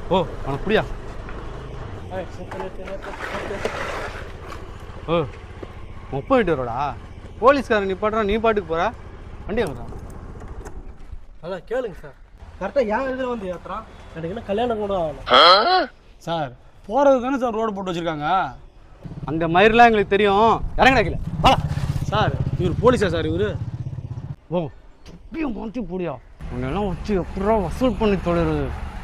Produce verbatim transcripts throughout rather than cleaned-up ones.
ஓ உனக்கு புரியா? ஓ முப்பது வீட்டு வரோடா. போலீஸ்காரன் நீ பாடுறா, நீ பாட்டுக்கு போகிற. வண்டி வாங்குறா. அதான் கேளுங்க சார், கரெக்டாக ஏன் இதில் வந்து ஏற்றுறான். எனக்கு என்ன கல்யாணம் கூட ஆகணும் சார். போகிறது தானே சார் ரோடு போட்டு வச்சுருக்காங்க. அந்த மயிரெலாம் எங்களுக்கு தெரியும். இறங்கினா கீழே வா. சார் இவர் போலீஸா சார்? இவர் ஓ எப்பயும் மாற்றி போடியா. உன்னெல்லாம் வச்சு எப்படா வசூல் பண்ணி தொழிறது.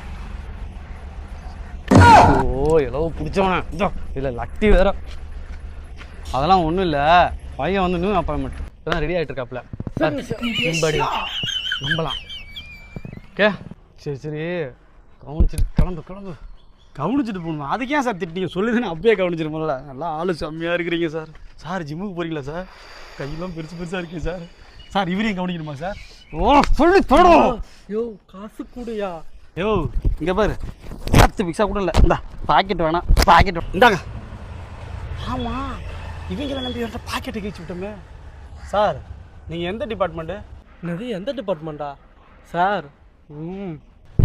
ஓ எவ்வளோ பிடிச்சவனே. இல்லை லட்டி வேற. அதெல்லாம் ஒன்றும் இல்லை, பையன் வந்து நியூ அப்பாயின்மெண்ட் இப்போதான் ரெடி ஆகிட்டு இருக்காப்புல. நம்படி நம்பலாம். ஓகே சரி சரி கவனிச்சுட்டு கிளம்பு கிளம்பு. கவனிச்சுட்டு போகணும். அதுக்கு ஏன் சார் திட்டிங்க? சொல்லுதுன்னு அப்பயே கவனிச்சிருப்போம்ல. நல்லா ஆளு செம்மையாக இருக்கிறீங்க சார். சார் ஜிம்முக்கு போகிறீங்களா சார்? கையெல்லாம் பெருசு பெருசாக இருக்கீங்க சார். சார் இவரையும் கவனிக்கணுமா சார்? ஓ சொல்லி தொடரும். யோ காசு கூடயா? யோ இங்கே பாரு, பத்து பிக்ஸா கூட இல்லை. இந்தா பாக்கெட் வேணாம், பாக்கெட் இந்தாங்க. ஆமாம் இவங்களை நம்பி என்கிட்ட பாக்கெட்டை கழிச்சு விட்டோமே. சார் நீங்கள் எந்த டிபார்ட்மெண்ட்டு? என்னது எந்த டிபார்ட்மெண்ட்டா சார்? ம்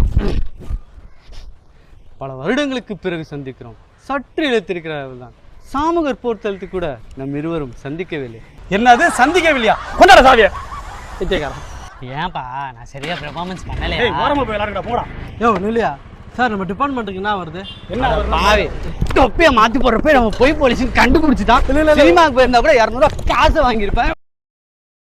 பல வருடங்களுக்கு பிறகு சந்திக்கிறோம். சற்று இழுத்திருக்கிறார்கள் தான். சாமுகர் போர்த்தலத்து கூட நம் இருவரும் சந்திக்கவில்லை. என்னது சந்திக்கவில்லையா? கொண்டாட சாவிய பிச்சைக்காரன். ஏன்பா நான் சரியா பெர்ஃபார்மன்ஸ் பண்ணலையா? ஏய் ஓரமா போய் விளையாடுடா போடா. யோ இல்லையா சார், நம்ம டிபார்ட்மெண்ட்டுக்கு என்ன வருது? என்ன பாவி தொப்பியை மாற்றி போடுறப்ப நம்ம போய் போலீஸுன்னு கண்டுபிடிச்சிட்டான். சினிமாவுக்கு போயிருந்தா கூட இரநூறுவா காசை வாங்கியிருப்பேன்.